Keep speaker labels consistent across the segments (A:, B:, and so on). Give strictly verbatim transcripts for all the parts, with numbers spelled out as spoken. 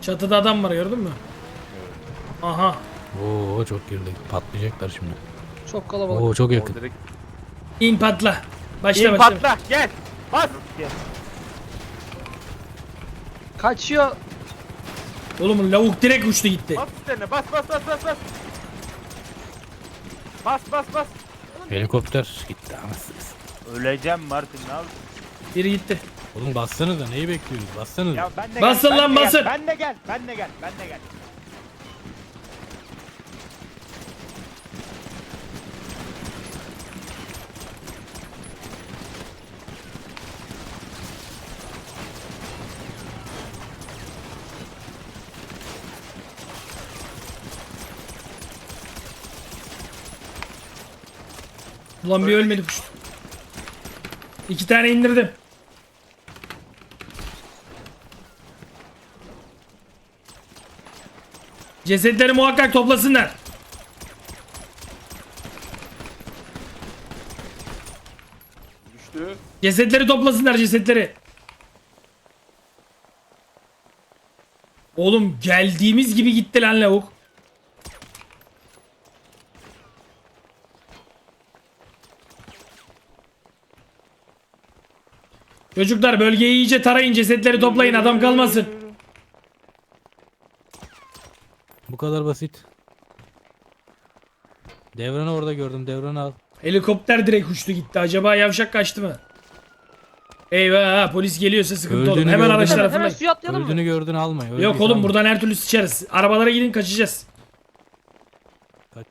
A: Çatıda adam var, gördün mü? Aha.
B: Oo çok girdik. Patlayacaklar şimdi.
C: Çok kalabalık.
B: Oo çok yakın.
D: Direkt
A: İn patla. Başla
D: İn
A: başla.
D: patla gel. Bas.
C: Kaçıyor.
A: Oğlum lavuk direkt uçtu gitti.
D: Bas üstlerine bas bas bas bas bas. Bas bas bas.
B: Helikopter gitti anasınız.
D: Öleceğim Martin ne yapıyorsun?
A: Biri gitti.
B: Oğlum bassanıza neyi bekliyoruz? Bassanıza.
D: Ya ben de
A: Basın
D: gel,
A: lan,
D: ben de
A: basın.
D: Gel, ben de gel. Ben de gel. Ben de gel.
A: Ulan bir ölmedi kuş. İki tane indirdim. Cesetleri muhakkak toplasınlar.
D: Düştü.
A: Cesetleri toplasınlar, cesetleri. Oğlum geldiğimiz gibi gitti lan lavuk. Çocuklar bölgeyi iyice tarayın, cesetleri toplayın, adam kalmasın.
B: Bu kadar basit. Devranı orada gördüm. Devranı al.
A: Helikopter direkt uçtu gitti. Acaba yavşak kaçtı mı? Eyvah, polis geliyorsa sıkıntı olur.
B: Öldüğünü
A: Hemen
B: gördüm.
A: araçlara
C: Hemen, hemen
A: fırlayın.
C: suya atlayalım
B: Öldüğünü
C: mı?
B: gördün alma.
A: Yok
B: Öldüyse
A: oğlum,
B: alma.
A: buradan her türlü sıçarız. Arabalara gidin, kaçacağız.
B: Kaç-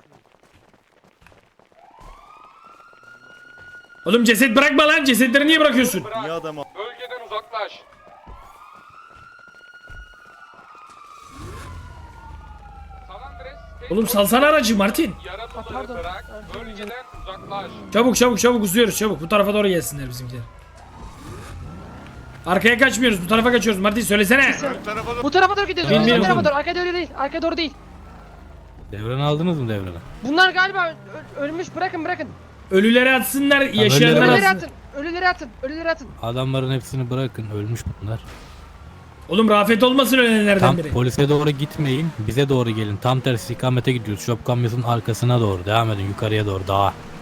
A: Oğlum ceset bırakma lan, cesetleri niye bırakıyorsun?
D: Niye adamı?
E: Bölgeden uzaklaş. San Andres,
A: Oğlum salsana aracı Martin.
E: yaralıları
C: pardon.
E: bırak. Bölgeden uzaklaş.
A: Çabuk çabuk çabuk uzuyoruz çabuk. Bu tarafa doğru gelsinler bizimkiler. Arkaya kaçmıyoruz, bu tarafa kaçıyoruz. Martin söylesene.
C: Bu tarafa doğru gidiyoruz.
A: Bilmiyorum.
C: Bu tarafa doğru. Arkaya doğru değil. Arkaya doğru değil.
B: Devranı aldınız mı devranı?
C: Bunlar galiba ö- ölmüş. Bırakın bırakın.
A: Ölüleri atsınlar,
B: ölüleri
A: yaşayanları
C: Ölüleri
A: atsınlar.
C: atın. Ölüleri atın. Ölüleri atın.
B: Adamların hepsini bırakın. Ölmüş bunlar.
A: Oğlum Rafet olmasın ölenlerden
B: Tam
A: biri.
B: polise doğru gitmeyin. Bize doğru gelin. Tam tersi ikamete gidiyoruz. Şop kamyonun arkasına doğru. Devam edin yukarıya doğru. Dağa.